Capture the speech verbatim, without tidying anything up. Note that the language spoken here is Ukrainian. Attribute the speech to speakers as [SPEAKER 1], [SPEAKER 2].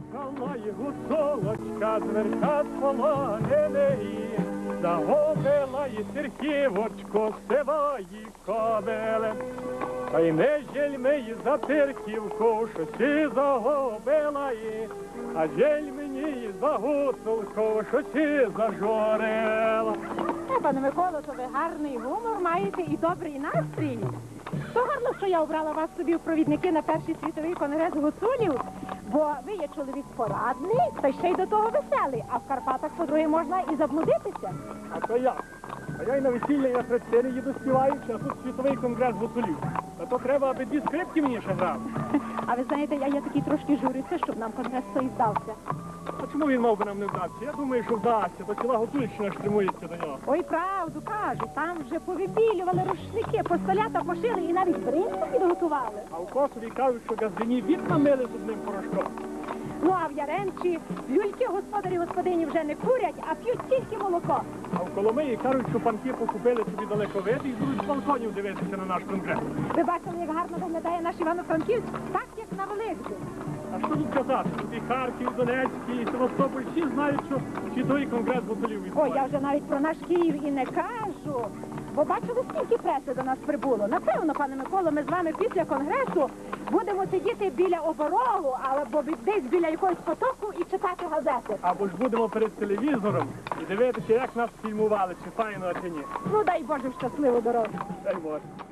[SPEAKER 1] Приїхала гуцулочка з верха з полоненої, загубила і сірківочку сивої кобили. Та й не жельми й за тирківку, що сі загубила її, а жаль мені й за гуцулку, що сі зажурила.
[SPEAKER 2] Е, пане Миколо, то ви гарний гумор маєте і добрий настрій. То гарно, що я обрала вас собі в провідники на перший світовий конгрес гуцулів, бо ви є чоловік порадний, та ще й до того веселий, а в Карпатах, по-друге, можна і заблудитися.
[SPEAKER 1] А то як? А я й на весілля і на хрестини їду співаючи, а тут світовий конгрес гуцулів. Та то треба, аби дві скрипки мені ще грав.
[SPEAKER 2] А ви знаєте, я є такий трошки журиться, щоб нам конгрес той здався.
[SPEAKER 1] А чому він мав би нам не вдатися? Я думаю, що вдасться, то ціла Гуцульщина штримується до нього.
[SPEAKER 2] Ой, правду кажуть, там вже повибілювали рушники, постолята пошили і навіть бринку підготували.
[SPEAKER 1] А в Косові кажуть, що газдині від намили з одним порошком.
[SPEAKER 2] Ну, а в Яремчі люльки господарі господині вже не курять, а п'ють тільки молоко.
[SPEAKER 1] А в Коломиї кажуть, що панки покупили собі далековид і будуть з балконів дивитися на наш конгрес.
[SPEAKER 2] Ви бачили, як гарно виглядає наш Івано-Франківськ? Так, як на Великдень.
[SPEAKER 1] А що тут казати? Тут і Харків, і Донецький, і Севастополь, всі знають, що світовий конгрес гуцулів
[SPEAKER 2] О,
[SPEAKER 1] відбувається.
[SPEAKER 2] я вже навіть про наш Київ і не кажу. Бо бачили, скільки преси до нас прибуло. Напевно, пане Миколо, ми з вами після конгресу будемо сидіти біля оборогу, або десь біля якогось потоку і читати газети.
[SPEAKER 1] Або ж будемо перед телевізором і дивитися, як нас фільмували, чи файно, чи ні.
[SPEAKER 2] Ну, дай Боже, щасливу дорогу.
[SPEAKER 1] Дай Боже.